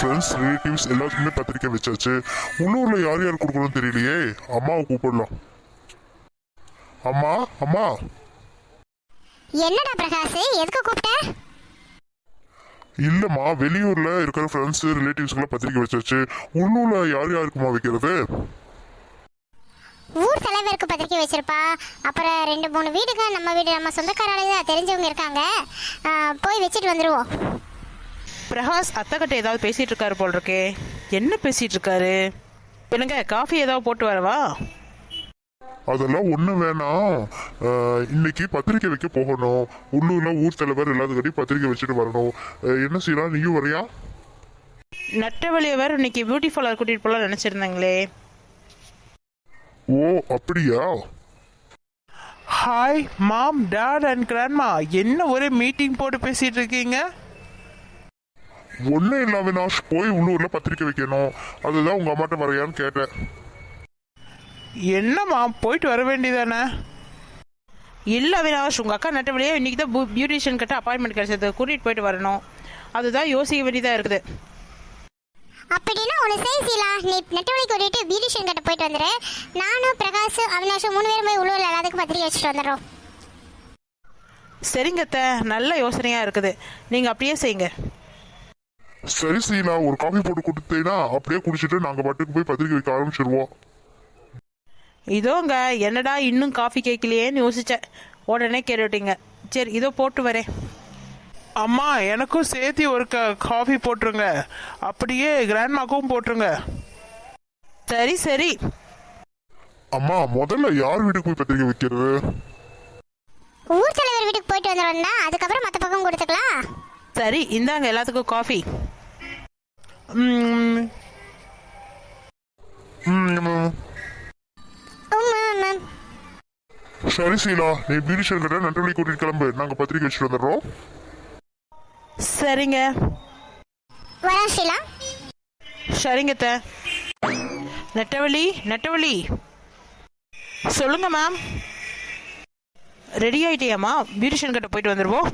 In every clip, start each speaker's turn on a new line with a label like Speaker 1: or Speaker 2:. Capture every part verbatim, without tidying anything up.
Speaker 1: Friends relatives எல்லாத்துக்குமே பத்திரிக்கை வச்சாச்சு. உள்ளூர்ல யார் யார் கொடுக்கணும்னு தெரியலையே. அம்மாவை கூப்பிடலாம். அம்மா அம்மா.
Speaker 2: என்னடா பிரகாஷ், எதுக்கு கூப்பிட்ட?
Speaker 1: இல்லம்மா, வெளியூர்ல இருக்கிற ஃப்ரெண்ட்ஸ் ரிலேட்டிவ்ஸ்க்குலாம் பத்திரிக்கை வச்சாச்சு. உள்ளூர்ல யார் யாருக்குமா வைக்கிறது?
Speaker 2: ஊர் தலைவருக்கு பத்திரிக்கை வச்சிருப்பா. அப்புறம் ரெண்டு மூணு வீடுங்க, நம்ம வீடு நம்ம சொந்தக்காரால தெரிஞ்சவங்க இருக்காங்க, போய் வச்சுட்டு வந்துடுவோம்.
Speaker 3: பிரகாஷ் அத்தைக்கிட்ட ஏதாவது பேசிட்டு இருக்காரு போல் இருக்கே. என்ன பேசிட்டு இருக்காரு? என்னங்க, காஃபி ஏதாவது போட்டு வரவா?
Speaker 1: அதெல்லாம் ஒண்ணு வேணாம். இன்னைக்கு பத்திரிக்கை வைக்க போகணும். உள்ளூர்ல ஊர் தலைவர் எல்லாத்துக்கிட்டையும் பத்திரிக்கை வச்சுட்டு வரணும். என்ன செய்யலாம், நீயும் வரையா?
Speaker 3: நட்டவழியை வேற இன்னைக்கு பியூட்டி பார்லர் கூட்டிட்டு போலாம் நினைச்சிருந்தாங்களே.
Speaker 1: ஓ அப்படியா?
Speaker 4: Hi mom, dad and grandma. என்ன ஒரே மீட்டிங் போட்டு பேசிட்டு இருக்கீங்க?
Speaker 1: ஒன்னும் இல்ல அவினாஷ், போய் உள்ளூர்ல பத்திரிக்கை வைக்கணும். அதுதான் உங்க அம்மாட்ட வரையான்னு கேட்டேன்.
Speaker 4: என்னம்மா, போயிட்டு வர வேண்டியதானே?
Speaker 3: இல்லை அவினாஷ், உங்கள் அக்கா நட்டவழியே இன்னைக்கு தான் பியூட்டிஷியன் கிட்ட அப்பாயின்மெண்ட் கிடைச்சது, கூட்டிகிட்டு போயிட்டு வரணும். அதுதான் யோசிக்க வேண்டியதாக இருக்குது.
Speaker 2: அப்படின்னா ஒன்று செய்யலா, நீ நெட்டவழி கூட்டிட்டு பியூட்டிஷியன் கிட்ட போயிட்டு வந்துடு. நானும் பிரகாஷ் அவினாஷும் மூணு பேரும் போய் உள்ளூரில் எல்லாத்துக்கும் பத்திரிக்கை வச்சுட்டு வந்துடுறோம்.
Speaker 3: சரிங்க அத்தை, நல்ல யோசனையாக இருக்குது. நீங்கள் அப்படியே செய்யுங்க.
Speaker 1: சரி சீலா, ஒரு காஃபி போட்டு கொடுத்தீங்கன்னா அப்படியே குடிச்சிட்டு நாங்க பாட்டுக்கு போய் பத்திரிக்கை வைக்க ஆரம்பிச்சிருவோம்.
Speaker 3: இதோங்க, என்னடா இன்னும் காஃபி கேட்கலையேன்னு யோசிச்சேன். உடனே கேட்டுட்டீங்க. சரி, இதோ போட்டு வரேன்.
Speaker 4: அம்மா, எனக்கும் சேர்த்து ஒரு க காஃபி போட்டுருங்க. அப்படியே கிராண்ட்மாக்கும் போட்டுருங்க.
Speaker 3: சரி சரி.
Speaker 1: அம்மா, முதல்ல யார் வீட்டுக்கு போய் பத்திரிக்கை வைக்கிறது?
Speaker 2: ஊர் தலைவர் வீட்டுக்கு போயிட்டு வந்துடும்னா, அதுக்கப்புறம் மற்ற பக்கம் கொடுத்துக்கலாம்.
Speaker 3: சரி, இந்தாங்க எல்லாத்துக்கும் காஃபி.
Speaker 4: ம்
Speaker 1: ம், சரி சீலா, நீ பியூட்டிஷியன் கிட்ட நன்றி கூட்டிட்டு கிளம்பு. நாங்க பத்திரிக்கை வச்சுட்டு வந்துடுறோம்.
Speaker 3: சரிங்க.
Speaker 2: வரா ஷீலா.
Speaker 3: சரிங்க அத்தை. நெட்டவழி நெட்டவழி சொல்லுங்க மேம். ரெடி ஆயிட்டியாம்மா? பியூட்டிஷியன் கிட்ட போயிட்டு வந்துடுவோம்.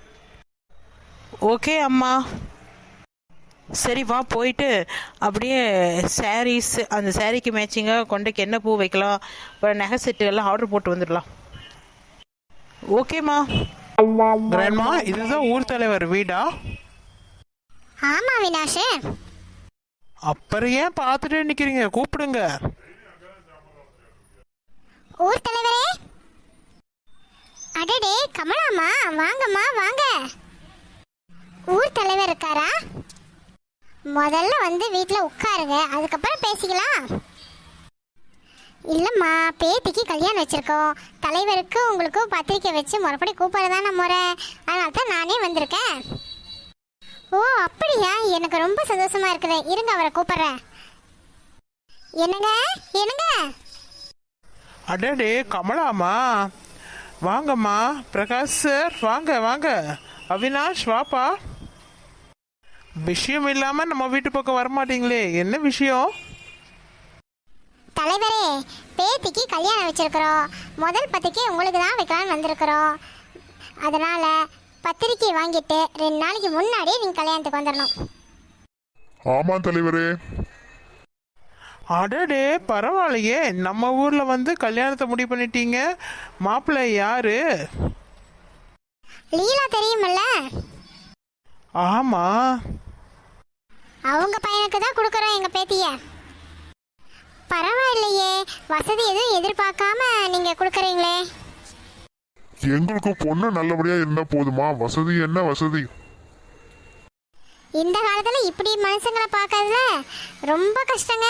Speaker 3: ஓகே அம்மா. சரி வா, போயிட்டு அப்படியே சாரீஸ், அந்த சாரீக்கு மேட்சிங்காக கொண்டைக்கு என்ன பூ வைக்கலாம், அப்புறம் நகை செட்டு எல்லாம் ஆர்டர் போட்டு வந்துடலாம். ஓகேம்மா.
Speaker 4: கிராண்ட்மா, இதுதான் ஊர் தலைவர் வீடா?
Speaker 2: ஆமா வினாஷ்.
Speaker 4: அப்புறம் ஏன் பார்த்துட்டே நிக்கிறீங்க? கூப்பிடுங்க.
Speaker 2: ஊர் தலைவரே. அடடே கமலாமா, வாங்கம்மா வாங்க. ஊர் தலைவர் இருக்காரா? முதல்ல வந்து வீட்டில் உட்காருங்க, அதுக்கப்புறம் பேசிக்கலாம். இல்லைம்மா, பேத்திக்கு கல்யாணம் வச்சுருக்கோம். தலைவருக்கு உங்களுக்கும் பத்திரிக்கை வச்சு முறைப்படி கூப்பிட்றதான முறை. அதனால தான் நானே வந்திருக்கேன். ஓ அப்படியா? எனக்கு ரொம்ப சந்தோஷமா இருக்குது. இருங்க, அவரை கூப்பிட்றேன். என்னங்க என்னங்க?
Speaker 4: அடடே கமலாமா, வாங்கம்மா. பிரகாஷ் சார், வாங்க வாங்க. அவினாஷ், வாப்பா. விஷயம் இல்லாம நம்ம வீட்டு பக்கம் வரமாட்டீங்களே, என்ன விஷயம்?
Speaker 2: தலைவரே, பேத்திக்கு கல்யாணம் வச்சிருக்கிறோம். முதல் பத்திரிக்கை உங்களுக்கு தான் வைக்கலாம்னு வந்திருக்கிறோம். அதனால பத்திரிக்கை வாங்கிட்டு ரெண்டு நாளைக்கு முன்னாடியே நீங்க கல்யாணத்துக்கு வந்துடணும்.
Speaker 1: ஆமா தலைவரே.
Speaker 4: அடடே பரவாயில்லையே, நம்ம ஊர்ல வந்து கல்யாணத்தை முடிவு பண்ணிட்டீங்க. மாப்பிள்ளை யாரு?
Speaker 2: லீலா தெரியுமல்ல?
Speaker 4: ஆமா.
Speaker 2: அவங்க பையனுக்கு தான் கொடுக்குறோம் எங்க பேத்திய. பரவாயில்லையே, வசதி எதுவும் எதிர்பார்க்காம நீங்க கொடுக்குறீங்களே.
Speaker 1: எங்களுக்கு பொண்ணு நல்லபடியா இருந்தா போதுமா? வசதி என்ன வசதி?
Speaker 2: இந்த காலத்துல இப்படி மனுஷங்களை பார்க்கறதுல ரொம்ப கஷ்டங்க.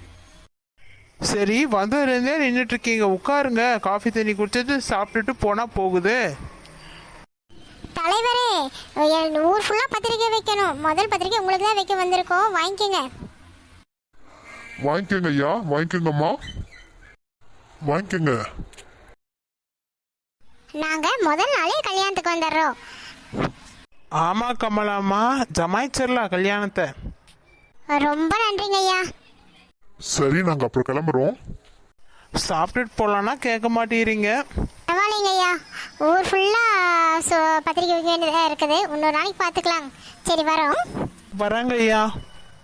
Speaker 4: சரி, வந்ததுலேருந்தே நின்றுட்டு இருக்கீங்க, உட்காருங்க. காஃபி தண்ணி குடிச்சிட்டு சாப்பிட்டுட்டு போனா போகுது.
Speaker 2: தலைவரே, ஊர் ஃபுல்லா பத்திரிக்கை வைக்கணும். முதல் பத்திரிக்கை உங்களுக்கு தான் வைக்க வந்திருக்கோம், வாங்கிக்கோங்க.
Speaker 1: வாங்கிக்கோங்க ஐயா, வாங்கிக்கோங்கம்மா, வாங்கிக்கோங்க.
Speaker 2: நாங்க முதல் நாளே கல்யாணத்துக்கு வந்துடுறோம்.
Speaker 4: ஆமா கமலாமா, ஜமாய்ச்சிடலாம் கல்யாணத்தை.
Speaker 2: ரொம்ப நன்றிங்க ஐயா.
Speaker 1: சரி, நாங்க அப்புறம் கிளம்புறோம்.
Speaker 4: சாப்பிட்டுட்டு போலான்னா கேட்க மாட்டேறீங்க.
Speaker 2: பரவாயில்லைங்க ஐயா, ஊர் ஃபுல்லா பத்திரிக்கை வைக்க வேண்டியதாக இருக்குது. இன்னொரு நாளைக்கு பார்த்துக்கலாம். சரி, வரோம்.
Speaker 4: வராங்க ஐயா.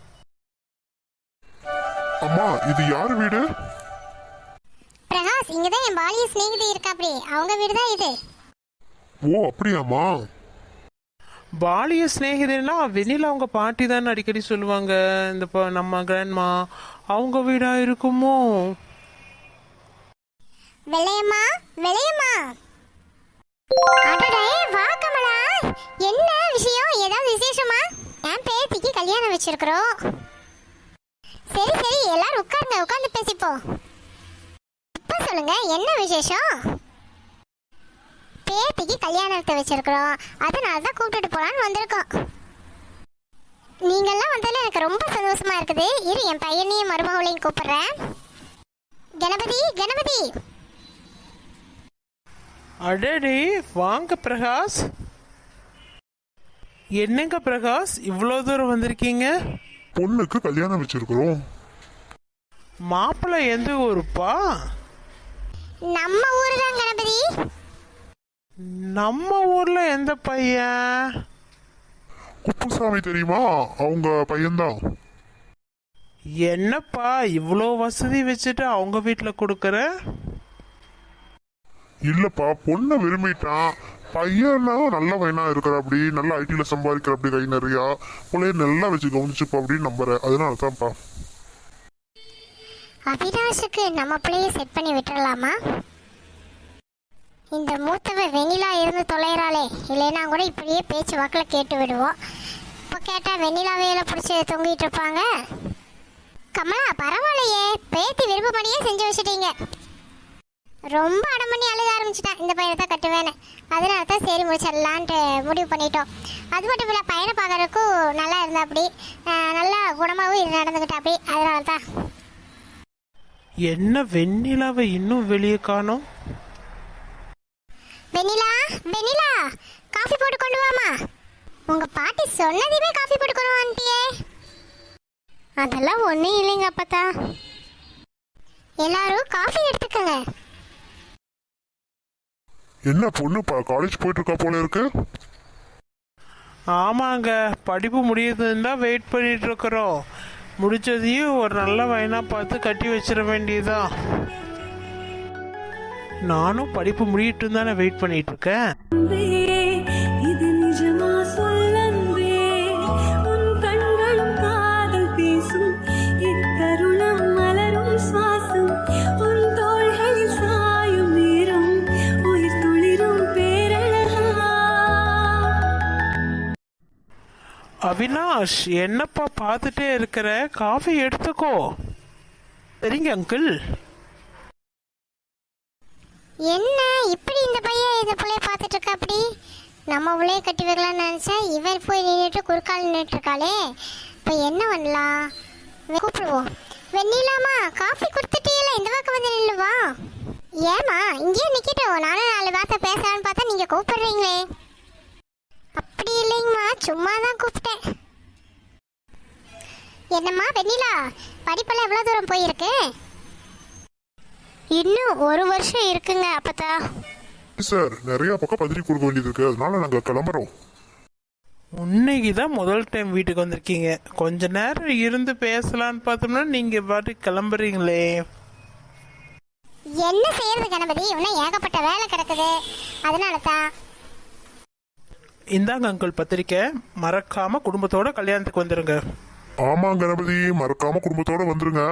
Speaker 1: அம்மா இது யார் வீடு?
Speaker 2: பிரகாஷ், இங்கதான் என் பாலிய சிநேகிதி இருக்கா, அப்படி அவங்க வீடு தான் இது.
Speaker 1: ஓ அப்படியாம்மா?
Speaker 4: பாலிய சிநேகிதன்னா வெண்ணிலா அவங்க பாட்டி தான் அடிக்கடி சொல்லுவாங்க. இந்த ப- நம்ம கிராண்ட்மா அவங்க வீடா இருக்குமோ?
Speaker 2: வெள்ளையம்மா, வெள்ளையம்மா. அடடே, வா கமலா. என்ன விஷயம்? ஏதாவது விசேஷமா? என் பேத்திக்கு கல்யாணம் வச்சிருக்கிறோம். சரி சரி, எல்லாரும் உட்காருங்க, உட்கார்ந்து பேசிப்போம். இப்ப சொல்லுங்க, என்ன விசேஷம்? பேத்திக்கு கல்யாணத்தை வச்சிருக்கிறோம், அதனால தான் கூப்பிட்டுட்டு போலான்னு வந்திருக்கோம். நீங்கெல்லாம் வந்ததுல எனக்கு ரொம்ப சந்தோஷமா இருக்குது. இரு, என் பையனையும் மருமகளையும் கூப்பிடுறேன். கணபதி, கணபதி.
Speaker 4: அடடே, வாங்க பிரகாஷ். என்னங்க பிரகாஷ், இவ்வளோ தூரம் வந்திருக்கீங்க?
Speaker 1: பொண்ணுக்கு கல்யாணம் வச்சிருக்கிறோம்.
Speaker 4: மாப்பிள்ளை எந்த ஊருப்பா?
Speaker 2: நம்ம ஊரு தான் கணபதி.
Speaker 4: நம்ம ஊர்ல எந்த பையன்?
Speaker 1: குப்புசாமி தெரியுமா? அவங்க பையன்தான்.
Speaker 4: என்னப்பா இவ்வளோ வசதி வச்சுட்டு அவங்க வீட்டில் கொடுக்குற?
Speaker 1: இல்லப்பா, பொண்ணை விரும்பிட்டான். பையனா நல்ல பையனா இருக்கிற அப்படி, நல்ல ஐடில சம்பாதிக்கிற அப்படி, கை நிறையா பிள்ளைய நல்லா வச்சு கவனிச்சுப்பா அப்படின்னு நம்புறேன். அதனால தான்ப்பா.
Speaker 2: அவினாஷுக்கு நம்ம பிள்ளைய செட் பண்ணி விட்டுறலாமா? இந்த மூத்தவ வெண்ணிலா இருந்து தொலைறாளே, இல்லைன்னா கூட இப்படியே பேச்சு வாக்கில் கேட்டு விடுவோம். இப்போ கேட்டால் வெண்ணிலாவையில பிடிச்சி தொங்கிட்டு இருப்பாங்க. கமலா, பரவாயில்லையே, பேத்தி விருப்பப்படியே செஞ்சு வச்சுட்டீங்க. ரொம்ப அடம் பண்ணி அழுக ஆரம்பிச்சிட்டேன், இந்த பையனை தான் கட்டுவேன்னு. அதனால தான் சரி முடிச்சிடலான்ட்டு முடிவு பண்ணிட்டோம். அது மட்டும் இல்லை, பையனை பார்க்கறதுக்கும் நல்லா இருந்தா அப்படி, நல்லா குணமாகவும் நடந்துக்கிட்டா அப்படி. அதனால தான்.
Speaker 4: என்ன வெண்ணிலாவை இன்னும் வெளியே காணோம்?
Speaker 2: வெண்ணிலா, வெண்ணிலா, காஃபி போட்டு கொண்டு வாமா. உங்க பாட்டி சொன்னதையுமே காஃபி போட்டு கொண்டு வந்துட்டியே. அதெல்லாம் ஒன்றும் இல்லைங்க அப்பத்தா. எல்லாரும் காஃபி எடுத்துக்கங்க.
Speaker 1: என்ன பொண்ணு காலேஜ் போயிட்டு இருக்கா போல இருக்கு?
Speaker 4: ஆமாங்க, படிப்பு முடியுதுன்னு தான் வெயிட் பண்ணிட்டு இருக்கிறோம். முடிச்சதையும் ஒரு நல்ல வயனா பார்த்து கட்டி வச்சிட வேண்டியதுதான். நானும் படிப்பு முடியிட்டு தானே வெயிட் பண்ணிட்டு இருக்கேன்.
Speaker 5: இது நிஜமா சொல்லன்பே, உன் கண்களும் காதல் பேசும், இத்தருணம் மலரும் சுவாசம், உன் தோள்களில் சாயும் நேரம், உயிர் துளிரும் பேரழகா.
Speaker 4: அவினாஷ், என்னப்பா பார்த்துட்டே இருக்கிற? காஃபி எடுத்துக்கோ. சரிங்க அங்கிள்.
Speaker 2: என்ன இப்படி இந்த பையன் இந்த பிள்ளைய பார்த்துட்டு இருக்கா அப்படி? நம்ம உள்ளே கட்டி வைக்கலாம்னு நினச்சா இவர் போய் நின்றுட்டு குறுக்கால் நின்றுட்டு இருக்காளே. இப்போ என்ன பண்ணலாம்? கூப்பிடுவோம். வெண்ணிலாமா, காஃபி கொடுத்துட்டீங்களா? இந்த பக்கம் வந்து நில்லுவா. ஏமா இங்கேயே நிற்கிட்டோம், நானும் நாலு வார்த்தை பேசலான்னு பார்த்தா நீங்கள் கூப்பிடுறீங்களே. அப்படி இல்லைங்கம்மா, சும்மா தான் கூப்பிட்டேன். என்னம்மா வெண்ணிலா, படிப்பெல்லாம் எவ்வளோ தூரம் போயிருக்கு? இன்னும் ஒரு வருஷம் இருக்குங்க அப்பத்தா.
Speaker 1: சார், நிறைய பக்கம் பத்திரிக்கை கொடுக்க வேண்டியது இருக்கு, அதனால நாங்க கிளம்புறோம்.
Speaker 4: இன்னைக்கு தான் முதல் டைம் வீட்டுக்கு வந்திருக்கீங்க. கொஞ்ச நேரம் இருந்து பேசலான்னு பார்த்தோம்னா நீங்க பாட்டு கிளம்புறீங்களே.
Speaker 2: என்ன செய்யறது கணபதி, இன்னும் ஏகப்பட்ட வேலை கிடக்குது, அதனால தான்.
Speaker 4: இந்தாங்க அங்கிள் பத்திரிக்கை. மறக்காம குடும்பத்தோட கல்யாணத்துக்கு வந்துருங்க.
Speaker 1: ஆமா கணபதி, மறக்காம குடும்பத்தோட வந்துருங்க.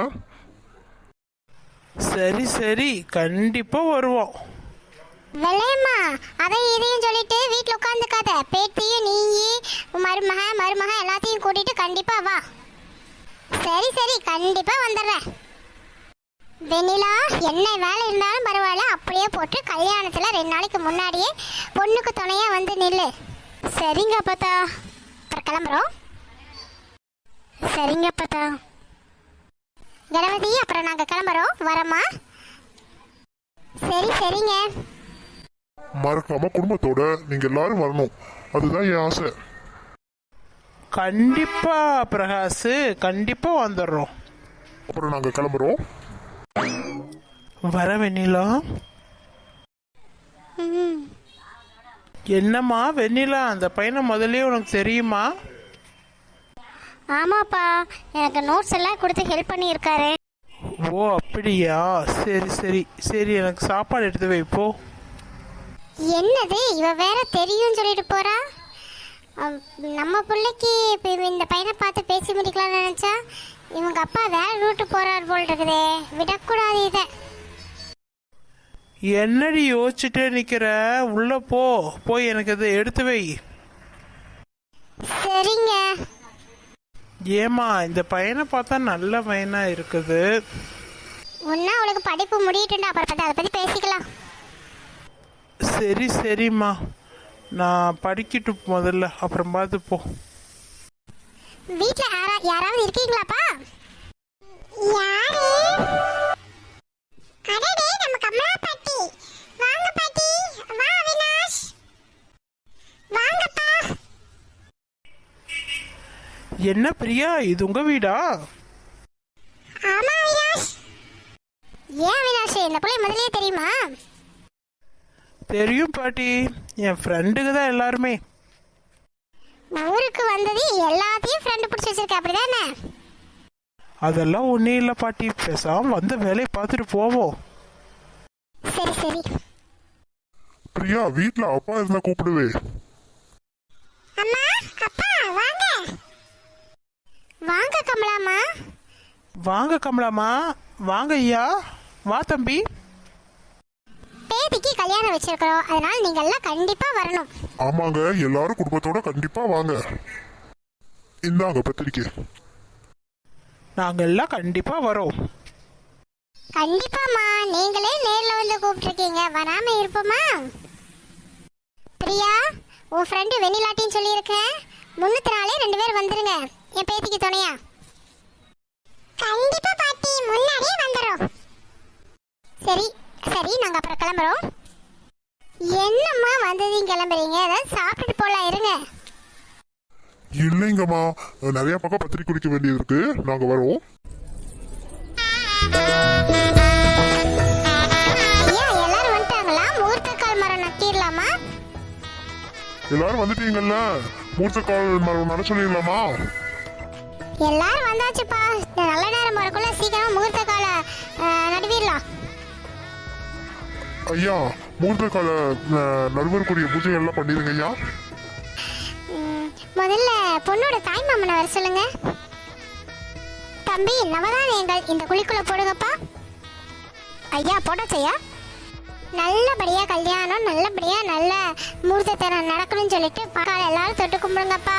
Speaker 4: சரி சரி, கண்டிப்பா வருவோம்.
Speaker 2: வெள்ளையம்மா, அதை இதையும் சொல்லிட்டு வீட்டில் உட்காந்துக்காத. பேத்தியும் நீ மருமக மருமக எல்லாத்தையும் கூட்டிட்டு கண்டிப்பா வா. சரி சரி, கண்டிப்பா வந்துடுறேன். வெண்ணிலா, என்ன வேலை இருந்தாலும் பரவாயில்ல, அப்படியே போட்டு கல்யாணத்துல ரெண்டு நாளைக்கு முன்னாடியே பொண்ணுக்கு துணையா வந்து நில்லு. சரிங்க அப்பத்தா. அப்புறம் கிளம்புறோம். சரிங்க அப்பத்தா. கணபதி, அப்புறம் நாங்க கிளம்புறோம், வரமா? சரி சரிங்க.
Speaker 1: மறக்காம குடும்பத்தோட நீங்க எல்லாரும் வரணும், அதுதான் என் ஆசை.
Speaker 4: கண்டிப்பா பிரகாஷ், கண்டிப்பா வந்துடுறோம்.
Speaker 1: அப்புறம் நாங்க கிளம்புறோம்.
Speaker 4: வர வெண்ணிலா. என்னம்மா வெண்ணிலா, அந்த பையனை முதல்லயே உனக்கு தெரியுமா?
Speaker 2: ஆமாப்பா, எனக்கு நோட்ஸ் எல்லாம் கொடுத்து ஹெல்ப் பண்ணியிருக்காரு.
Speaker 4: ஓ அப்படியா, சரி சரி சரி, எனக்கு சாப்பாடு எடுத்து வைப்போ.
Speaker 2: என்னது இவ வேற தெரியும் சொல்லிட்டு போறா. அம், நம்ம பிள்ளைக்கு இப்போ இந்த பையனை பார்த்து பேசி முடிக்கலாம்னு நினைச்சா இவங்க அப்பா வேற ரூட்டு போறார் போல் இருக்குதே. விடக்கூடாது இதை.
Speaker 4: என்னடி யோசிச்சுட்டே நிக்கிற, உள்ள போ, போய் எனக்கு இதை எடுத்து வை.
Speaker 2: சரிங்க.
Speaker 4: ஏமா இந்த பையனை பார்த்தா நல்ல பையனா இருக்குது.
Speaker 2: ஒன்னா அவளுக்கு படிப்பு முடியட்டுண்டா, அப்புறம் பார்த்து அதை பத்தி பேசிக்கலாம்.
Speaker 4: சரி சரிம்மா, நான் படிக்கட்டு முதல்ல, அப்புறம் பார்த்து போ.
Speaker 2: வீட்ல யாரா யாராவது இருக்கீங்களாப்பா? யாரு? அடடே, நம்ம கமலா பாட்டி. வாங்க பாட்டி. வா அவினாஷ். வாங்கப்பா.
Speaker 4: என்ன பிரியா, இது உங்க வீடா?
Speaker 2: ஆமா அவினாஷ். ஏன் அவினாஷ், இந்த பிள்ளை முதல்லயே தெரியுமா?
Speaker 4: தெரியும் பாட்டி, என் ஃப்ரெண்டுக்கு தான் எல்லாருமே.
Speaker 2: ஊருக்கு வந்தது எல்லாத்தையும் ஃப்ரெண்டு பிடிச்சி வச்சிருக்க, அப்படிதானே?
Speaker 4: அதெல்லாம் ஒன்றும் இல்லை பாட்டி, பேசாம வந்த வேலையை பார்த்துட்டு போவோம்.
Speaker 2: சரி சரி.
Speaker 1: பிரியா, வீட்ல அப்பா இருந்தா கூப்பிடுவே.
Speaker 2: அம்மா, அப்பா, வாங்க. வாங்க கமலாமா.
Speaker 4: வாங்க கமலாமா, வாங்க ஐயா, வா தம்பி.
Speaker 2: பேத்திக்கு கல்யாணம் வச்சிருக்கிறோம், அதனால நீங்க எல்லாம் கண்டிப்பா வரணும்.
Speaker 1: ஆமாங்க, எல்லாரும் குடும்பத்தோட கண்டிப்பா வாங்க. இந்தாங்க பத்திரிக்கை.
Speaker 4: நாங்க எல்லாம் கண்டிப்பா வரோம்.
Speaker 2: கண்டிப்பாமா, நீங்களே நேர்ல வந்து கூப்பிட்டுருக்கீங்க, வராம இருப்போமா? பிரியா, உன் ஃப்ரெண்டு வெண்ணிலாட்டின்னு சொல்லியிருக்கேன், முன்னூத்தி நாளே ரெண்டு பேர் வந்துருங்க என் பேத்திக்கு துணையா. கண்டிப்பா பாட்டி, முன்னாடியே வந்துடும். சரி சரி, நாங்க அப்புறம் கிளம்புறோம். என்னம்மா வந்ததையும் கிளம்புறீங்க, ஏதாவது சாப்பிட்டுட்டு போலாம், இருங்க.
Speaker 1: இல்லைங்கம்மா, நிறைய பக்கம் பத்திரிக்கை குடிக்க வேண்டியது இருக்கு, நாங்க வரோம்.
Speaker 2: ஐயா, எல்லாரும் வந்துட்டாங்களா? முகூர்த்த கால் மரம் நட்டிடலாமா?
Speaker 1: எல்லாரும் வந்துட்டீங்கல்ல, மூர்த்த கால் மரம் நட சொல்லிடலாமா?
Speaker 2: எல்லாரும் வந்தாச்சுப்பா. இந்த நல்ல நேரம் வரக்குள்ள சீக்கிரமா முகூர்த்த கால நடுவிடலாம்.
Speaker 1: ஐயா, மூர்த்த கால நடுவருக்குரிய பூஜை எல்லாம் பண்ணிடுங்க ஐயா.
Speaker 2: ம், முதல்ல பொண்ணோட தாய் மாமனை வர சொல்லுங்க. தம்பி, நவதானியங்கள் இந்த குழிக்குள்ள போடுங்கப்பா. ஐயா, போட்டாச்சையா. நல்லபடியா கல்யாணம், நல்லபடியா நல்ல முகூர்த்தத்தை நடக்கணும்னு சொல்லிட்டு காலை எல்லாரும் தொட்டு கும்பிடுங்கப்பா.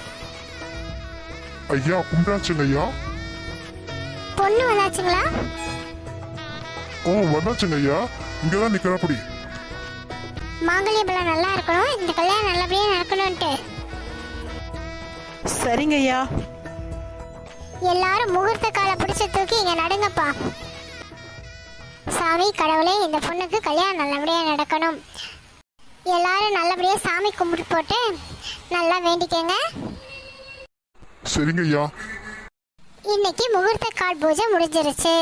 Speaker 1: ஐயா, கும்பிடாச்சுங்க ஐயா.
Speaker 2: பொண்ணு வந்தாச்சுங்களா?
Speaker 1: ஓ, வந்தாச்சுங்க ஐயா, இங்கதான் நிக்கிறபடி.
Speaker 2: மாங்கல்ய பலம் நல்லா இருக்கணும், இந்த கல்யாணம் நல்லபடியா நடக்கணும்ட்டு.
Speaker 3: சரிங்க ஐயா.
Speaker 2: எல்லாரும் முகூர்த்த காலை பிடிச்சு தூக்கி இங்க நடுங்கப்பா. சாமி கடவுளே, இந்த பொண்ணுக்கு கல்யாணம் நல்லபடியா நடக்கணும். எல்லாரும் நல்லபடியா சாமி கும்பிட்டு போட்டு நல்லா வேண்டிக்கங்க.
Speaker 1: சரிங்க ஐயா.
Speaker 2: இன்னைக்கு முகூர்த்த கால் பூஜை முடிஞ்சிருச்சு.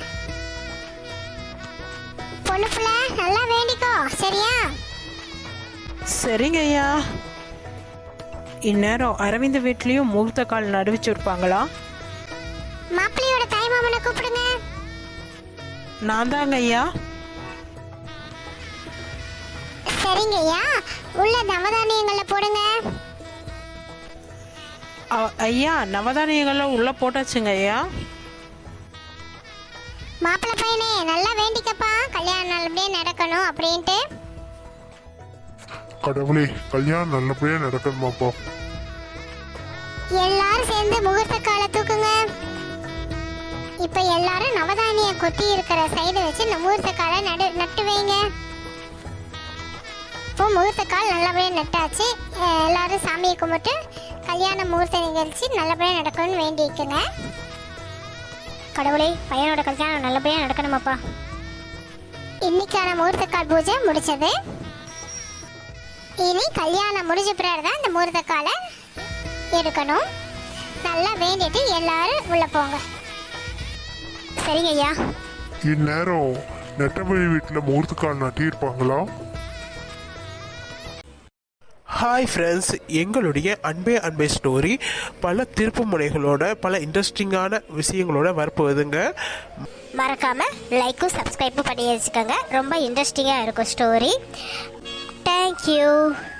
Speaker 2: பொண்ணு புள்ள நல்லா வேண்டிக்கோ, சரியா?
Speaker 3: சரிங்க ஐயா. இந்நேரம் அரவிந்த் வீட்லேயும் முகூர்த்த கால் நடுவிச்சிருப்பாங்களா?
Speaker 2: மாப்பிள்ளையோட தாய் மாமனை கூப்பிடுங்க.
Speaker 3: நான் தாங்க ஐயா.
Speaker 2: சரிங்க ஐயா, உள்ள நவதானியங்களை போடுங்க.
Speaker 3: அ- ஐயா, நவதானியங்கள்லாம் உள்ளே போட்டாச்சுங்க ஐயா.
Speaker 2: மாப்பிள்ளை பையனே, நல்லா வேண்டிக்கப்பா, கல்யாணம் நல்லபடியா நடக்கணும் அப்படின்ட்டு.
Speaker 1: கடவுளே, கல்யாணம் நல்லபடியா நடக்கணுமாப்பா.
Speaker 2: எல்லாரும் சேர்ந்து முகூர்த்த காலை தூக்குங்க. இப்ப எல்லாரும் நவதானிய கொட்டி இருக்கிற சைடு வச்சு இந்த முகூர்த்த காலை நடு நட்டு வைங்க. இப்போ முகூர்த்த கால் நல்லபடியா நட்டாச்சு. அஹ் எல்லாரும் சாமியை கும்பிட்டு கல்யாண முகூர்த்த நிகழ்ச்சி நல்லபடியா நடக்கணும்னு வேண்டிக்குங்க. கடவுளே, பையனோட கல்யாணம் நல்லபடியா நடக்கணுமாப்பா. இன்னைக்கான முகூர்த்த கால் பூஜை முடிச்சது. இனி கல்யாணம் முடிஞ்ச பிறகு தான் இந்த முகூர்த்த காலை எடுக்கணும். நல்லா வேண்டிட்டு எல்லாரும் உள்ள போங்க. சரிங்க ஐயா.
Speaker 1: இந்நேரம் நெட்டவழி வீட்டுல முகூர்த்த கால் நட்டியிருப்பாங்களா?
Speaker 4: ஹாய் ஃப்ரெண்ட்ஸ், எங்களுடைய அன்பே அன்பே ஸ்டோரி பல திருப்பு முனைகளோட பல இன்ட்ரெஸ்டிங்கான விஷயங்களோட வரப்போகுதுங்க.
Speaker 2: மறக்காமல் லைக்கும் சப்ஸ்கிரைப்பும் பண்ணி வச்சுக்கோங்க. ரொம்ப இன்ட்ரெஸ்டிங்காக இருக்கும் ஸ்டோரி. தேங்க்யூ.